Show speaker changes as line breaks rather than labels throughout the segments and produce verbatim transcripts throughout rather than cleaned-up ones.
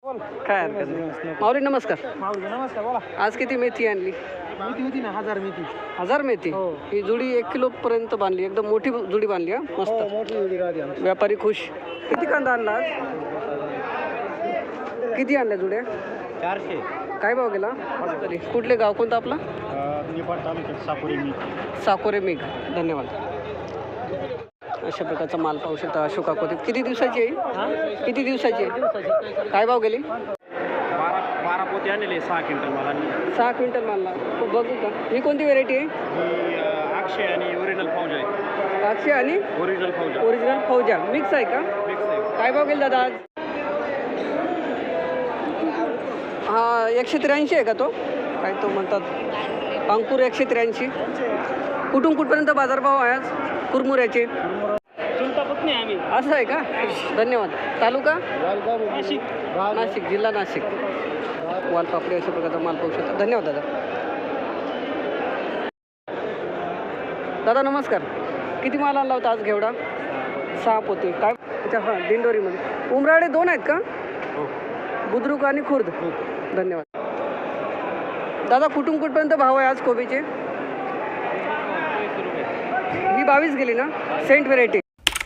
काय हरकत नाही. माऊली नमस्कार.
माऊली नमस्कार, बोला.
आज किती मेथी आणली?
मेथी होती ना, हजार मेथी.
हजार मेथी.
हो.
ही जुडी एक किलो पर्यंत बांधली, एकदम मोठी जुडी बांधली. हा
हो,
मस्त.
मोठी जोडी राहते आमची.
व्यापारी खुश. किती कांदा आणला आज? किती आणल्या जुड्या?
चारशे.
काय भाव गेला? तरी कुठले गाव कोणतं आपलं?
निपाट तालुक्यात साकोरे मी.
साकोरे मेघ. धन्यवाद. अशा प्रकारचा माल पाहू शकता. अशोका कोथिंबीर किती दिवसाची आहे? किती दिवसाची आहे? काय भाव गेली?
बारा बारा पोते आणलेले सहा क्विंटल मला.
सहा क्विंटल मालला. बघू का ही कोणती व्हेरायटी आहे?
ही अक्षय आणि ओरिजिनल फौज आहे.
अक्षय आणि
ओरिजिनल फौज
ओरिजिनल फौजा मिक्स आहे का?
मिक्स आहे.
काय भाव गेला दादा आज? हा एकशे त्र्याऐंशी आहे का तो? काय तो म्हणतात अंकुर एकशे त्र्याऐंशी. कुठून कुठपर्यंत बाजारभाव आहे आज कुरमुऱ्याचे?
नाही आम्ही.
असं आहे का? धन्यवाद. तालुका
नाशिक.
नाशिक जिल्हा नाशिक. वालपापडी अशा प्रकारचा माल पाहू शकता. धन्यवाद दादा. दादा नमस्कार. किती माल आणला होता आज घेवडा? सहा पोते. काय अच्छा हां दिंडोरीमध्ये. उमराडे दोन आहेत का? बुद्रुक आणि खुर्द. धन्यवाद. दादा कुठून कुठपर्यंत भाव आहे आज कोबीचे? ही बावीस गेली ना? Cent variety.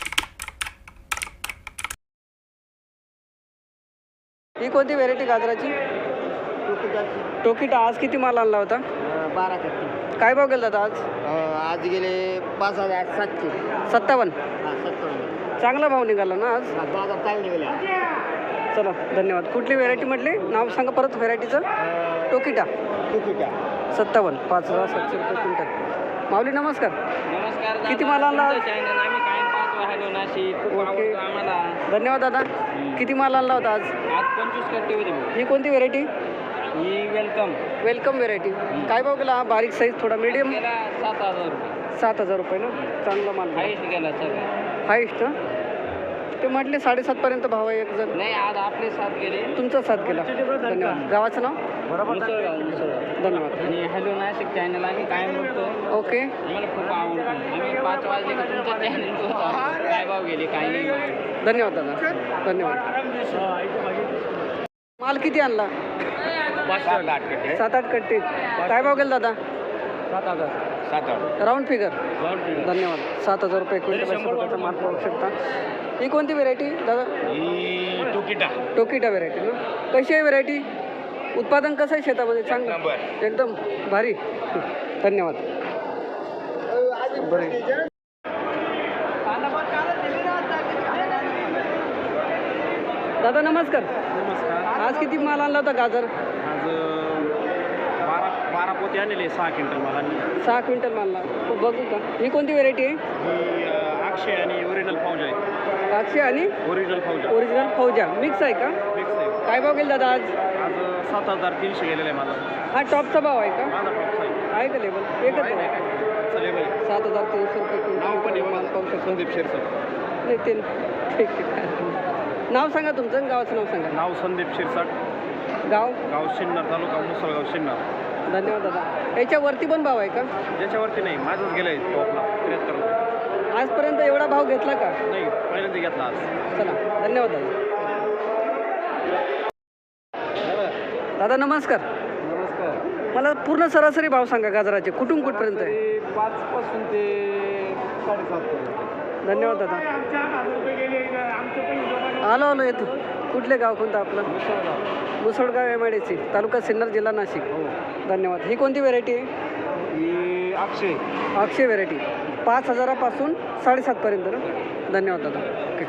ही कोणती व्हेरायटी गाजराची? टोकिटा. आज किती माल आणला होता?
बारा कट्टी.
काय भाव गेला दादा आज?
आज गेले पाच हजार सातशे
सत्तावन्न.
हा सत्तावन्न.
चांगला भाव निघाला ना आज?
बाजार चांगले गेले.
चला धन्यवाद. कुठली व्हेरायटी म्हटली? नाव सांगा परत व्हेरायटीचं. टोकिटा.
टोकिटा.
सत्तावन्न. पाच हजार सातशे रुपये क्विंटल. माऊली नमस्कार.
नमस्कार.
किती माल आणला आज?
आम्ही काय पाहतो हॅलो नाशिक.
ओके.
आम्हाला
धन्यवाद दादा. किती माल आणला होता आज?
आज पंचवीस कट्टे होते.
ही कोणती व्हेरायटी?
ही वेलकम.
Welcome variety. काय भाव गेला? हा बारीक साईज थोडा मीडियम.
गेला सात हजार रुपये.
सात हजार रुपये ना? चांगला माल.
हाईस्ट गेला सगळं.
हायस्ट. ते म्हटले साडेसातपर्यंत भाव आहे एक जण.
नाही आज आपले सात गेले.
तुमचा साथ केला. धन्यवाद. गावाचं नाव?
मुसळगाव. मुसळगाव.
धन्यवाद.
आणि हॅलो नाशिक चॅनल आम्ही कायम बघतो.
ओके.
आम्हाला खूप आवडतो. आम्ही पाच वाजले की तुमचा चॅनल बघतो. काय भाव गेले काय नाही.
धन्यवाद दादा. धन्यवाद. माल किती आणला?
सात आठ कट्टे.
सात आठ कट्टे. काय भाव गेला दादा?
सात हजार. सात आठ.
Round figure. धन्यवाद. सात हजार रुपये क्विंटल अशा प्रकारचा माल पाहू शकता. ही कोणती व्हेरायटी दादा?
ही टोकिटा.
टोकिटा व्हेरायटी ना? कशी आहे व्हेरायटी? उत्पादन कसं आहे शेतामध्ये? चांगलं एकदम भारी. धन्यवाद. बरे. दादा नमस्कार.
नमस्कार.
आज किती माल आणला होता गाजर?
आज बारा बारा पोते आणलेले सहा क्विंटल मला.
सहा क्विंटल मालला. बघू का ही कोणती व्हेरायटी आहे?
ही अक्षय आणि ओरिजिनल फौज आहे.
अक्षय आणि
ओरिजिनल फौज.
ओरिजिनल फौजा मिक्स आहे का?
मिक्स आहे.
काय भाव गेला दादा आज?
आज सात हजार तीनशे गेलेला आहे माझा.
हा टॉपचा भाव आहे का?
माझा टॉपचा आहे.
आहे का लेबल? एकच
नाही, नाही,
आहे.
नाही. चा लेबल आहे.
सात हजार तीनशे रुपये
नाव पण
क्विंटल माल पाहू
आहे
शकतो.
संदीप शिरसट.
नाही ते ठीक आहे. नाव सांगा तुमचं आणि गावाचं नाव सांगा.
नाव संदीप शिरसाट.
गाव?
गाव शिन्नर तालुका मुसळगाव शिन्नर.
धन्यवाद दादा. याच्यावरती पण भाव आहे का?
ज्याच्यावरती नाही माझंच गेलं आहे टॉपला त्र्याहत्तर रुपये.
आजपर्यंत एवढा भाव घेतला का?
नाही पहिल्यांदा घेतला आज.
चला धन्यवाद दादा. दादा नमस्कार.
नमस्कार.
मला पूर्ण सरासरी भाव सांगा गाजराचे. कुठून कुठपर्यंत आहे?
पाच पासून ते साडेसात पर्यंत.
धन्यवाद दादा. आलो आलो येतो. कुठले गाव कोणतं आपलं?
Musalgaon.
Musalgaon M I D C taluka Sinnar जिल्हा नाशिक.
हो.
धन्यवाद. ही कोणती व्हेरायटी आहे?
ही अक्षय.
अक्षय व्हेरायटी. पाच हजारापासून साडेसातपर्यंत ना? धन्यवाद दादा. ओके.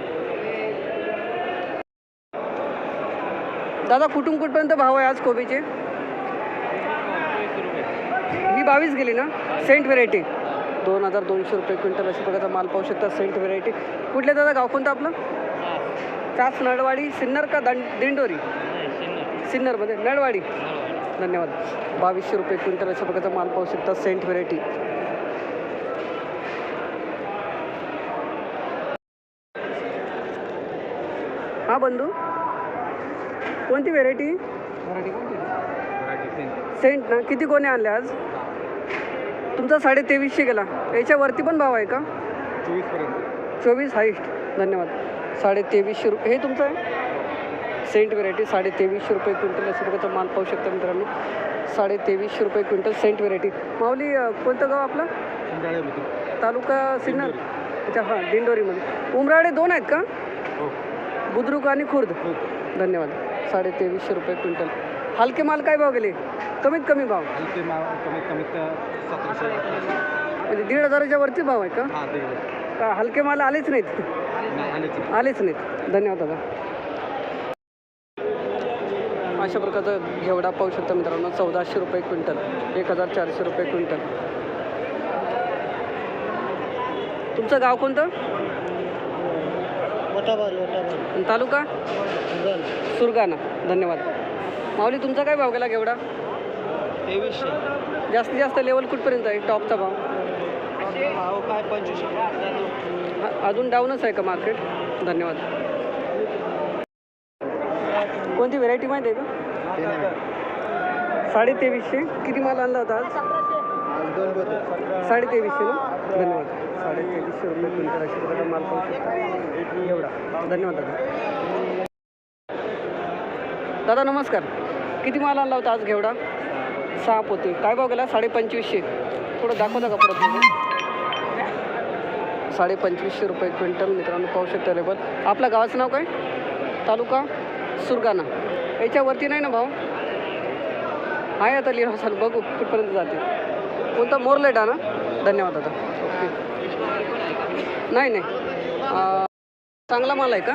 दादा कुठून कुठपर्यंत भाव आहे आज कोबीचे? ही बावीस गेली ना? Cent variety. दोन हजार दोनशे रुपये क्विंटल अशा प्रकारचा माल पाहू शकता. Cent variety. कुठले दादा गाव कोणतं आपलं? कास नळवाडी. सिन्नर का दंड दिंडोरी? सिन्नरमध्ये नळवाडी. धन्यवाद. बावीसशे रुपये क्विंटल अशा प्रकारचा माल पाहू शकता. Cent variety. हा बंधू कोणती व्हेरायटी? सेंट ना? किती कोणे आणले आज? तुमचा साडे तेवीसशे गेला. याच्यावरती पण भाव आहे का?
चोवीसपर्यंत.
चोवीस हाईस्ट. धन्यवाद. साडे तेवीसशे रुपये. हे तुमचं आहे? सेंट व्हेरायटी साडे तेवीसशे रुपये क्विंटल अशा प्रकारचा माल पाहू शकता मित्रांनो. साडे तेवीसशे रुपये क्विंटल सेंट व्हेरायटी. माऊली अ, कोणतं गाव आपलं? तालुका सिन्नर. अच्छा हां, दिंडोरीमध्ये. उमराळे दोन आहेत का? बुद्रुक आणि खुर्द. धन्यवाद. साडे तेवीसशे रुपये क्विंटल. हलके माल काय भाव गेले? कमीत कमी भाव
हलके माल कमीत कमीत सतराशे
म्हणजे दीड हजाराच्या वरती भाव आहे का?
हां ते
का हलके माल आलेच नाहीत?
नाही आलेच
आलेच नाहीत. धन्यवाद दादा. अशा प्रकारचं घेवडा पाहू शकता मित्रांनो. चौदाशे रुपये क्विंटल, एक हजार चारशे रुपये क्विंटल. तुमचं गाव कोणतं? आणि तालुका? सुरगाणा. धन्यवाद. माऊली तुमचा काय भाव गेला घेवडा?
तेवीसशे.
जास्तीत जास्त लेवल कुठपर्यंत आहे टॉपचा भाव?
भाव काय पंचवीसशे.
हा, अजून डाऊनच आहे का मार्केट? धन्यवाद. कोणती व्हेरायटी माहिती आहे का? साडे तेवीसशे. किती माल आणला होता आज? साडे तेवीसशे ना. धन्यवाद. साडे तेवीसशे रुपये क्विंटल अशा प्रकारचा माल पाहू शकता एवढा. धन्यवाद दादा. दादा नमस्कार. किती माल आणला होता आज घेवडा? सहा पोते. काय भाव गेला? साडे पंचवीसशे. थोडं दाखवता का परत तुम्ही? साडे पंचवीसशे रुपये क्विंटल मित्रांनो पाहू शकता लेबल. आपल्या गावाचं नाव काय? तालुका सुरगाणा. याच्यावरती नाही ना भाव? आहे आता लिहा असाल, बघू कुठपर्यंत जाते. कोणता मोरलेटा ना? धन्यवाद दादा. ओके. नाही नाही अं, चांगला माल आहे का?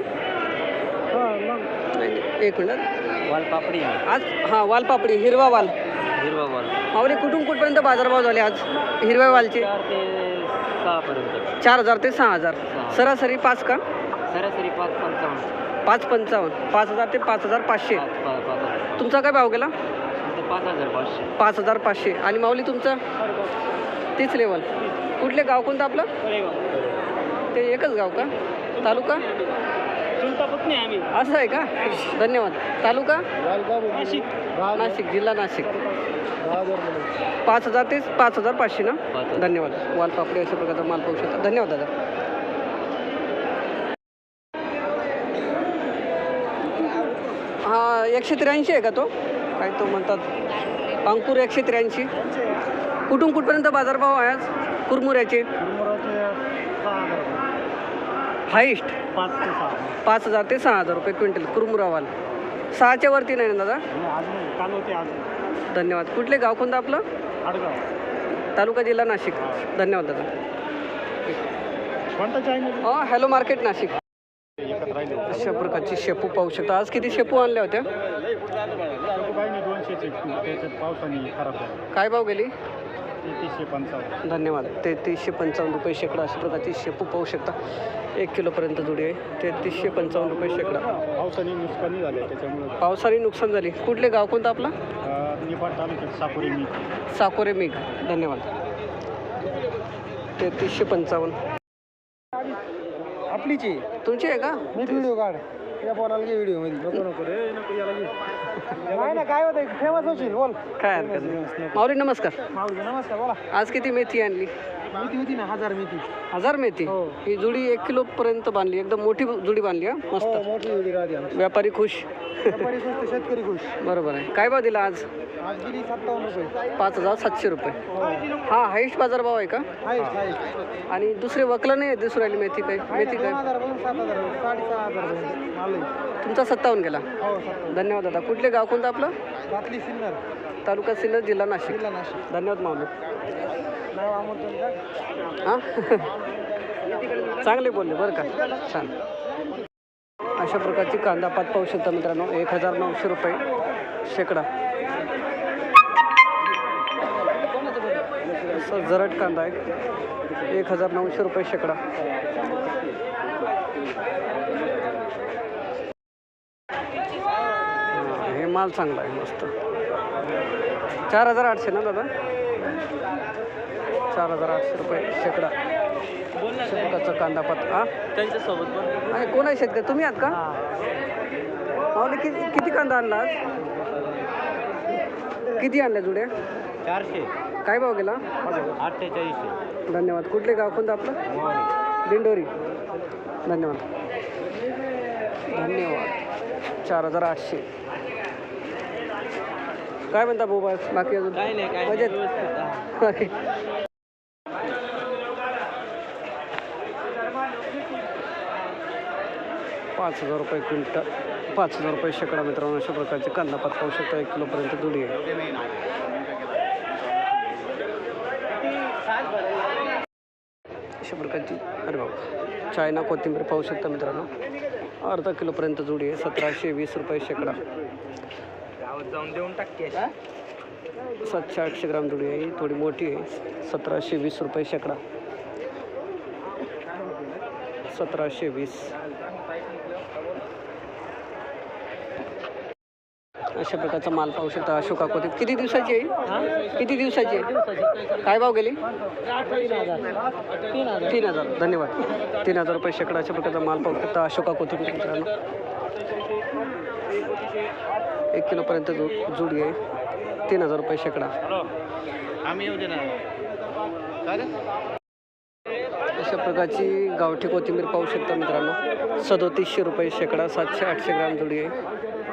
नाही नाही एक मिनिट.
वालपापडी
आज हां वालपापडी हिरवा वाल.
हिरवा वाल
माऊली कुठून कुठपर्यंत बाजारभाव झाले आज हिरव्या वालचे?
चार ते सहापर्यंत.
चार हजार ते सहा हजार. सरासरी पाच का?
सरासरी पाच पंचावन्न.
पाच पंचावन्न. पाच हजार ते पाच हजार पाचशे.
पाच पाच पाच हजार.
तुमचा काय भाव गेला?
पाच हजार पाचशे.
पाच हजार पाचशे. आणि माऊली तुमचं? तीच लेवल. कुठले गाव कोणतं आपलं? ते एकच गाव का? तालुका?
चिंतापत्नी आम्ही.
असं आहे का? धन्यवाद. तालुका?
नाशिक.
नाशिक जिल्हा नाशिक. पाच हजार ते पाच हजार पाचशे ना. धन्यवाद. वालपापडी अशा प्रकारचा माल पाहू शकता. धन्यवाद दादा. हा एकशे त्र्याऐंशी आहे का तो? काय तो म्हणतात अंकुर एकशे त्र्याऐंशी. कुठून कुठपर्यंत बाजारभाव आहे आज कुरमुऱ्याचे? हाईस्ट
पाच ते सहा.
पाच हजार ते सहा हजार रुपये क्विंटल कुरमुरा वाल. सहाच्या वरती नाही ना दादा?
चालू होते आज.
धन्यवाद. कुठले गाव कोणतं आपलं?
आडगाव.
तालुका जिल्हा नाशिक. धन्यवाद दादा.
कोणता चायनीज?
हां हॅलो मार्केट नाशिक.
एकत्र राहिले.
अशा प्रकारची शेपू पाहू शकता. आज किती शेपू आणल्या होत्या?
काही नाही दोनशेचे. त्याच्यात पावसाने खराब झालं.
काय भाव गेली?
तेहतीसशे पंचावन्न.
धन्यवाद. तेहतीसशे पंचावन्न रुपये शेकडा अशा प्रकारची शेपू पाहू शकता. एक किलोपर्यंत जुडी आहे. तेहतीसशे पंचावन्न रुपये शेकडा.
पावसाने नुकसानी झाले त्याच्यामुळे.
पावसाने नुकसान झाली. कुठले गाव कोणतं आपलं?
निफाड तालुक्यात साकोरे मी.
साकोरे मेघ. धन्यवाद. तेहतीसशे पंचावन्न.
आपलीची
तुमची आहे का?
मी व्हिडिओ काढ या पोराला घे व्हिडिओ मध्ये. नको नको रे नको याला घे. नाही ना काय होतं फेमस होशील बोल.
काय हरकत नाही. माऊली नमस्कार.
माऊली नमस्कार बोला.
आज किती मेथी आणली?
मेथी होती ना हजार मेथी.
हजार मेथी.
हो.
ही जुडी एक किलो पर्यंत बांधली. एकदम मोठी जुडी बांधली हा.
हो
मस्त.
मोठी व्हिडिओ राहते आमची.
व्यापारी खुश.
व्यापारी खुश तर शेतकरी खुश.
बरोबर आहे. काय भाव दिला आज?
आज गेली सत्तावन्न रुपये.
पाच हजार सातशे रुपये.
हो
हा हाईस्ट बाजारभाव आहे का?
आहे आहे.
आणि दुसरे वकलं नाही दिसून राहिली मेथी काय? मेथी
दोन
काय?
हजार पासून सात हजार साडेसहा हजार पर्यंत माल आहे.
तुमचा सत्तावन्न गेला.
हो सत्तावन्न.
धन्यवाद दादा. कुठले गाव कोणतं आपलं?
रातली सिन्नर
तालुका सिन्नर जिल्हा नाशिक.
जिल्हा नाशिक.
धन्यवाद माऊली.
नाव आमंत्रण का?
हां चांगले बोलले बरं का. छान. अशा प्रकारची कांदा पात पाहू शकता मित्रांनो. एक हजार नऊशे रुपये शेकडा. असं जरट कांदा आहे. एक हजार नऊशे रुपये शेकडा. हां, हे माल चांगला आहे मस्त. चार हजार आठशे ना दादा? चार हजार आठशे रुपये शेकडा. शेतकऱ्याचा कांदा पात. हां
त्यांच्यासोबत पण
आणि कोण आहे शेतकरी? तुम्ही आहात का? माऊली किती किती कांदा आणला आज? किती आणल्या जुड्या?
चारशे.
काय भाव गेला?
अठ्ठेचाळीसशे.
धन्यवाद. कुठले गाव कोणतं आपलं? दिंडोरी. धन्यवाद. धन्यवाद. चार हजार आठशे. काय म्हणता भाऊ बस बाकी अजून
काय नाही काय
मजेत? पाच हजार रुपये क्विंटल पाच हजार रुपये शेकडा मित्रांनो अशा प्रकारचे कांदा पात पाहू शकता एक किलोपर्यंत जुडी आहे. अशा प्रकारची अरे बाबा चायना कोथिंबीर पाहू शकता मित्रांनो अर्धा किलोपर्यंत जुडी आहे सतराशे वीस रुपये शेकडा.
जाऊन देऊन टाकते
सातशे आठशे ग्राम जुडी आहे थोडी मोठी आहे सतराशे वीस रुपये शेकडा. सतराशे वीस अशा प्रकारचा माल पाहू शकता. अशोका कोथिंबीर किती दिवसाची आहे किती दिवसाची आहे काय भाव गेली? तीन हजार. धन्यवाद. तीन हजार रुपये शेकडा अशा प्रकारचा माल पाहू शकता. अशोका कोथिंबीर मित्रांनो एक किलोपर्यंत जु जुडी आहे तीन हजार रुपये शेकडा.
आम्ही येऊ दे ना.
अशा प्रकारची गावठी कोथिंबीर पाहू शकता मित्रांनो सदोतीसशे रुपये शेकडा. सातशे आठशे ग्राम जुडी आहे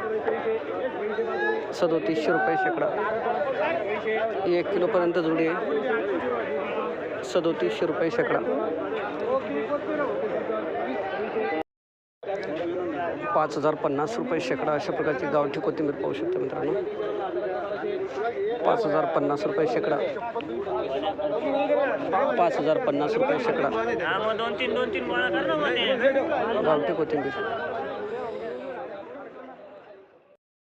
सदोतीसशे रुपये शेकडा. ही एक किलोपर्यंत जुडी आहे सदोतीसशे रुपये शेकडा. पाच हजार पन्नास रुपये शेकडा अशा प्रकारची गावठी कोथिंबीर पाहू शकता मित्रांनो पाच हजार पन्नास रुपये शेकडा. पाच हजार पन्नास रुपये शेकडा
दोन तीन दोन तीन
गावठी कोथिंबीर.